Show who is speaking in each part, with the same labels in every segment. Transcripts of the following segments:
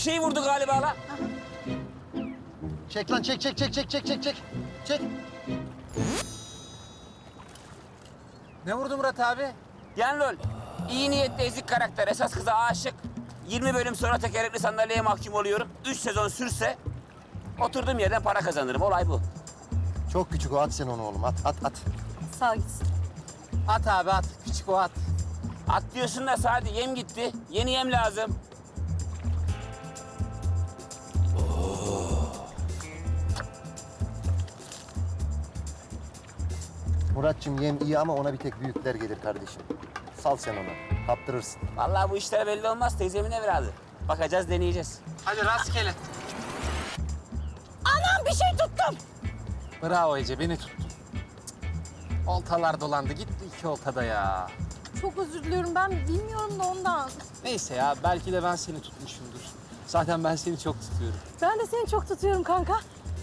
Speaker 1: şey vurdu galiba la.
Speaker 2: Çek lan, çek. Çek.
Speaker 3: Ne vurdu Murat abi?
Speaker 1: Yani lol. İyi niyetli ezik karakter. Esas kıza aşık. 20 bölüm sonra tekerlekli sandalyeye mahkum oluyorum. 3 sezon sürse oturduğum yerden para kazanırım. Olay bu.
Speaker 2: Çok küçük o, at sen onu oğlum, at.
Speaker 4: Sağ gitsin.
Speaker 3: At abi at. Küçük o at.
Speaker 1: At diyorsun da Sadi yem gitti. Yeni yem lazım.
Speaker 2: Muratçım yem iyi ama ona bir tek büyükler gelir kardeşim. Sal sen onu, kaptırırsın.
Speaker 1: Vallahi bu işler belli olmaz. Teyzemin evladı. Bakacağız, deneyeceğiz.
Speaker 3: Hadi rastgele.
Speaker 4: Anam bir şey tuttum.
Speaker 3: Bravo Ece beni tuttun. Oltalar dolandı. Gitti iki oltada ya.
Speaker 4: Çok özür diliyorum, ben bilmiyorum da ondan.
Speaker 3: Neyse ya belki de ben seni tutmuşumdur. Zaten ben seni çok tutuyorum.
Speaker 4: Ben de seni çok tutuyorum kanka.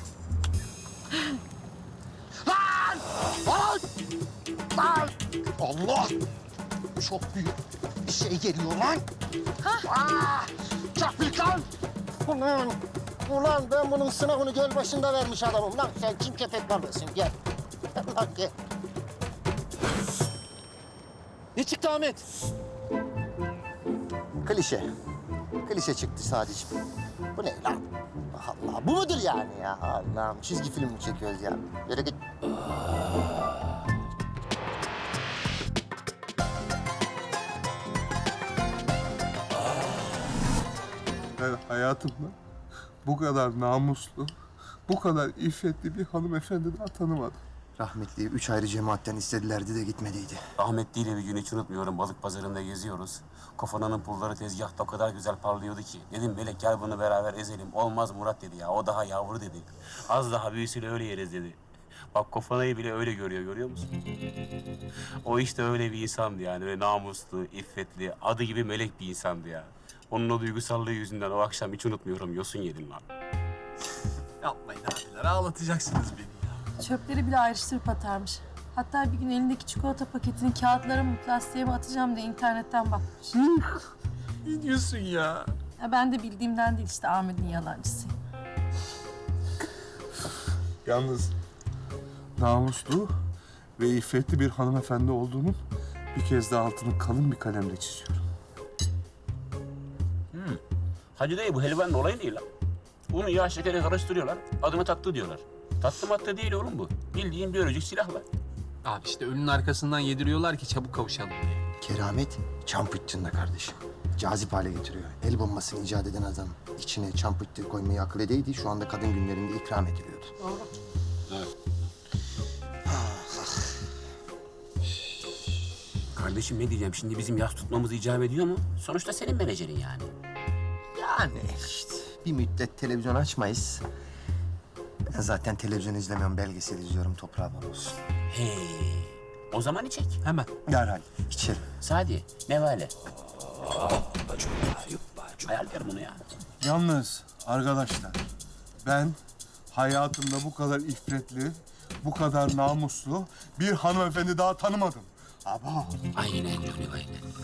Speaker 2: Allah! Çok büyük bir şey geliyor lan. Aa, çok büyük lan. Ulan ben bunun sınavını göl başında vermiş adamım. Lan sen kim köpek balığısın, gel. Lan gel.
Speaker 3: Ne çıktı Ahmet?
Speaker 2: Klişe çıktı sadece. Bu ne lan? Allah, bu mudur yani ya? Allah'ım, çizgi film mi çekiyoruz ya? Yürü git.
Speaker 5: Ben hayatımda bu kadar namuslu, bu kadar iffetli bir hanımefendi daha tanımadım.
Speaker 2: Rahmetliyi 3 ayrı cemaatten istedilerdi de gitmediydi.
Speaker 1: Rahmetliyle bir gün hiç unutmuyorum. Balık pazarında geziyoruz. Kofananın pulları tezgahta o kadar güzel parlıyordu ki. Dedim Melek gel bunu beraber ezelim. Olmaz Murat dedi ya. O daha yavru dedi. Az daha büyüsüyle öyle yeriz dedi. Bak Kofana'yı bile öyle görüyor musun? O işte öyle bir insandı yani. Öyle namuslu, iffetli, adı gibi melek bir insandı ya. Onun o duygusallığı yüzünden o akşam hiç unutmuyorum. Yosun yedim lan.
Speaker 3: Yapmayın abiler ağlatacaksınız beni ya.
Speaker 4: Çöpleri bile ayrıştırıp atarmış. Hatta bir gün elindeki çikolata paketini kağıtlara mı plastiğe mi atacağım diye internetten bakmış.
Speaker 3: Ne diyorsun ya?
Speaker 4: Ya ben de bildiğimden değil işte, Ahmet'in yalancısıyım.
Speaker 5: Yalnız namuslu ve iffetli bir hanımefendi olduğunun bir kez daha altını kalın bir kalemle çiziyorum.
Speaker 1: Hacı dayı bu helvanın olayı değil lan. Unu yağ şekeri karıştırıyorlar. Adını tatlı diyorlar. Tatlı matlı değil oğlum bu. Bildiğin biyolojik silahlar.
Speaker 3: Abi işte ölünün arkasından yediriyorlar ki çabuk kavuşalım diye.
Speaker 2: Keramet çam pıhtında kardeşim. Cazip hale getiriyor. El bombasını icat eden adam içine çam pıhtı koymayı akıl edeydi. Şu anda kadın günlerinde ikram ediliyordu.
Speaker 1: Kardeşim ne diyeceğim? Şimdi bizim yas tutmamız icap ediyor mu? Sonuçta senin menajerin yani.
Speaker 2: Yani işte bir müddet televizyon açmayız. Ben zaten televizyon izlemiyorum, belgesel izliyorum. Toprağa bal olsun.
Speaker 1: He. O zaman içek.
Speaker 3: Hemen.
Speaker 2: Derhal içerim.
Speaker 1: Sadi, nevale. Hayal ver bunu ya.
Speaker 5: Yalnız arkadaşlar ben hayatımda bu kadar iffetli, bu kadar namuslu bir hanımefendi daha tanımadım. Ama
Speaker 1: Aynen öyle, aynen.